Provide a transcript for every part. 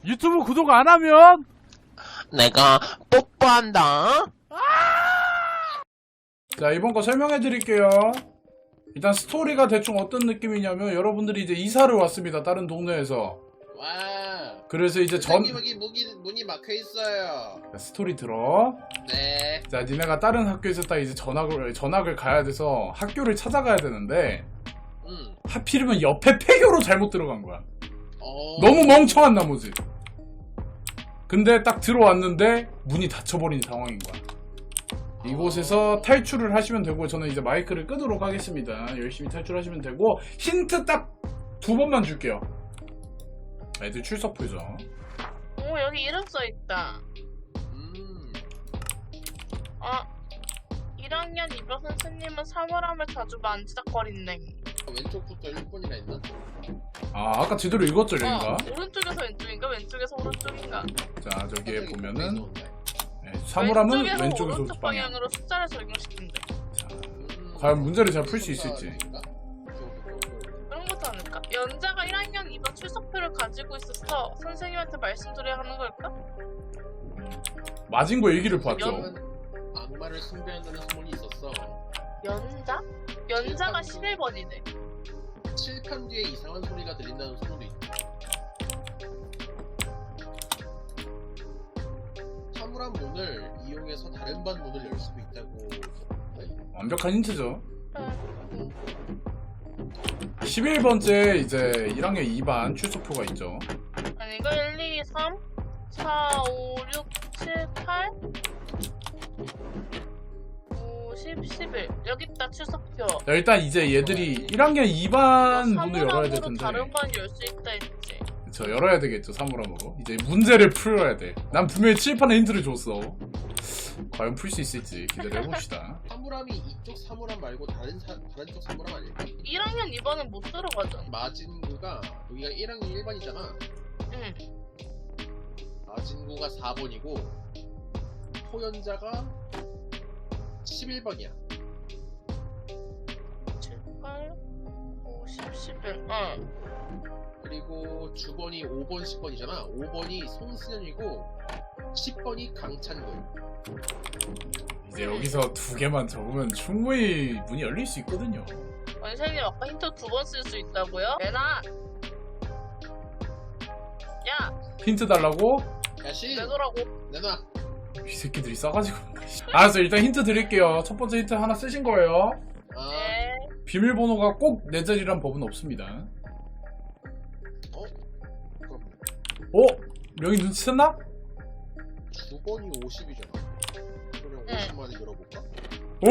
유튜브 구독 안 하면 내가 뽀뽀한다. 자, 이번 거 설명해 드릴게요. 일단 스토리가 대충 어떤 느낌이냐면 여러분들이 이제 이사를 왔습니다. 다른 동네에서. 와. 그래서 이제 여기 문이 막혀 있어요. 스토리 들어. 네. 자, 니네가 다른 학교에서 딱 이제 전학을 가야 돼서 학교를 찾아가야 되는데 하필이면 옆에 폐교로 잘못 들어간 거야. 너무 멍청한 나머지. 근데 딱 들어왔는데 문이 닫혀버린 상황인 거야. 이곳에서 탈출을 하시면 되고, 저는 이제 마이크를 끄도록 하겠습니다. 열심히 탈출하시면 되고, 힌트 딱 2번만 줄게요. 애들 출석부죠. 오, 여기 이름 써있다. 1학년 2반 선생님은 사물함을 자주 만지작거리네. 왼쪽부터 1번이나 있나? 아, 아까 제대로 읽었죠, 여기가? 오른쪽에서 왼쪽인가? 왼쪽에서 오른쪽인가? 자, 저기에 보면은 네, 왼쪽에서 사물함은 왼쪽에서 오른쪽 방향. 방향으로 숫자를 적용시킨대. 자, 과연 문제를 잘 풀 수 있을지. 그런 거지 않을까? 연자가 1학년 2반 출석표를 가지고 있어서 선생님한테 말씀드려야 하는 걸까? 맞은 거 얘기를 봤죠. 악마를 숭배한다는 소문이 있었어. 연자? 연자가 11번이네. 칠판 뒤에 이상한 소리가 들린다는 소문도 있다. 사물함 문을 이용해서 다른 반 문을 열 수도 있다고. 완벽한 힌트죠. 11번째 이제 1학년 2반 출석표가 있죠. 아니 이거 1, 2, 3, 4, 5, 6, 7, 8 5, 10, 11 여기 있다 출석표. 자, 일단 이제 얘들이 1학년 2반 문을 열어야 될 사물함으로 텐데. 다른 반 열 수 있다 했지. 저 열어야 되겠죠, 사물함으로. 이제 문제를 풀어야 돼. 난 분명히 칠판에 힌트를 줬어. 과연 풀 수 있을지 기다려봅시다. 사물함이 이쪽 사물함 말고 다른 쪽 사물함 아닐까? 1학년 2반은 못 들어가잖아. 마진구가 여기가 1학년 1반이잖아. 응. 마진구가 4번이고 토연자가 11번이야. 7, 8, 5, 10, 11 응. 그리고 주번이 5번, 10번이잖아. 5번이 송승현이고 10번이 강찬구. 이제 여기서 2개만 적으면 충분히 문이 열릴 수 있거든요. 원생님 아까 힌트 2번 쓸 수 있다고요? 내놔! 야! 힌트 달라고? 야씨 내놓으라고. 내놔. 이 새끼들이 싸가지고. 알았어, 일단 힌트 드릴게요. 첫 번째 힌트 하나 쓰신 거예요. 아, 네. 비밀번호가 꼭 내 자리란 법은 없습니다. 그럼 명이 눈치챘나? 주번이 50이잖아. 그럼 응. 50만에 열어볼까? 오!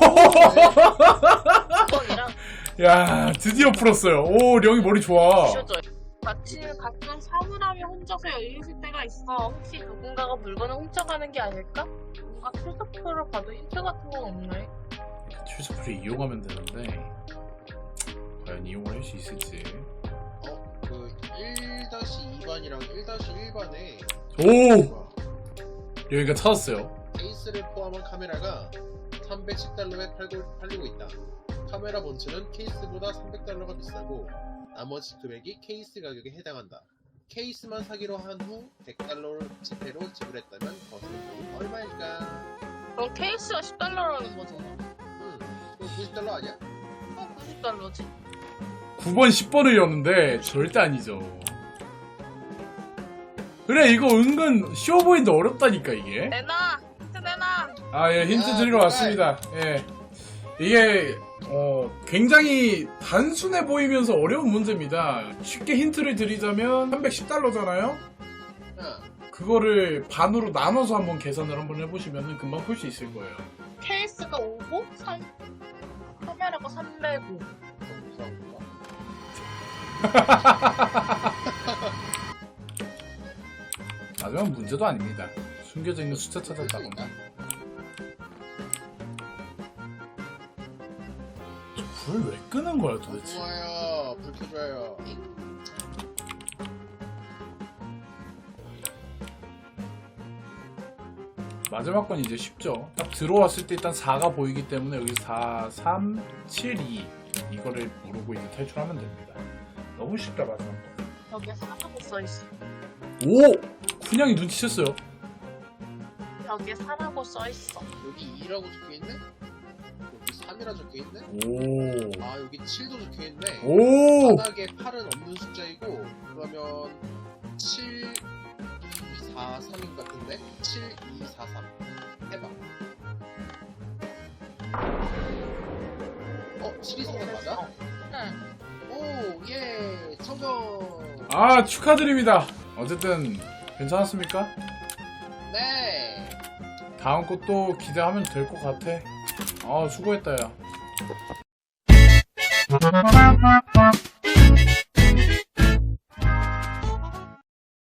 2번이랑 야, 드디어 풀었어요. 오, 령이 머리 좋아. 주셔줘. 가끔 사물함이 혼자서 열리실 때가 있어. 혹시 누군가가 물건을 훔쳐가는 게 아닐까? 뭔가 출석표를 봐도 힌트 같은 건 없네. 출석표를 이용하면 되는데 과연 이용을 할 수 있을지. 그 1-2반이랑 1-1반에 오! 여기가 찾았어요. 케이스를 포함한 카메라가 310달러에 팔리고 있다. 카메라 본체는 케이스보다 300달러가 비싸고 나머지 금액이 케이스 가격에 해당한다. 케이스만 사기로 한 후 100달러를 지폐로 지불했다면 거스름이 얼마일까? 그럼 케이스가 10달러라는 거잖아. 그럼 90달러 아니야? 90달러지. 9번, 10번을 였는데 절대 아니죠. 그래, 이거 은근 쉬워 보이는데 어렵다니까, 이게. 내놔! 힌트 내놔! 아, 예, 힌트 드리러 왔습니다. 예. 이게 굉장히 단순해 보이면서 어려운 문제입니다. 쉽게 힌트를 드리자면 310달러잖아요? 그거를 반으로 나눠서 한번 계산을 한번 해보시면 금방 풀 수 있을 거예요. 케이스가 5고, 카메라가 305. 마지막 문제도 아닙니다. 숨겨져 있는 숫자 찾았다거나. 불 왜 끄는 거야 도대체? 좋아요. 불 켜줘요. 마지막 건 이제 쉽죠. 딱 들어왔을 때 일단 4가 보이기 때문에 여기 4, 3, 7, 2 이거를 모르고 이제 탈출하면 됩니다. 너무 쉽다 마지막 거. 여기에 4라고 써있어. 오! 쿤양이 눈치챘어요. 벽에 4라고 써있어. 여기 2라고 적혀있네? 여기 3이라 적혀있네? 오. 아 여기 7도 적혀있네. 오! 바닥에 8은 없는 숫자이고 그러면 7, 2, 4, 3인 것 같은데? 7, 2, 4, 3 해봐. 7, 2, 4, 3 맞아? 응. 오, 예, 성공! 아, 축하드립니다. 어쨌든 괜찮았습니까? 네! 다음 것도 기대하면 될 것 같아. 아, 수고했다, 야.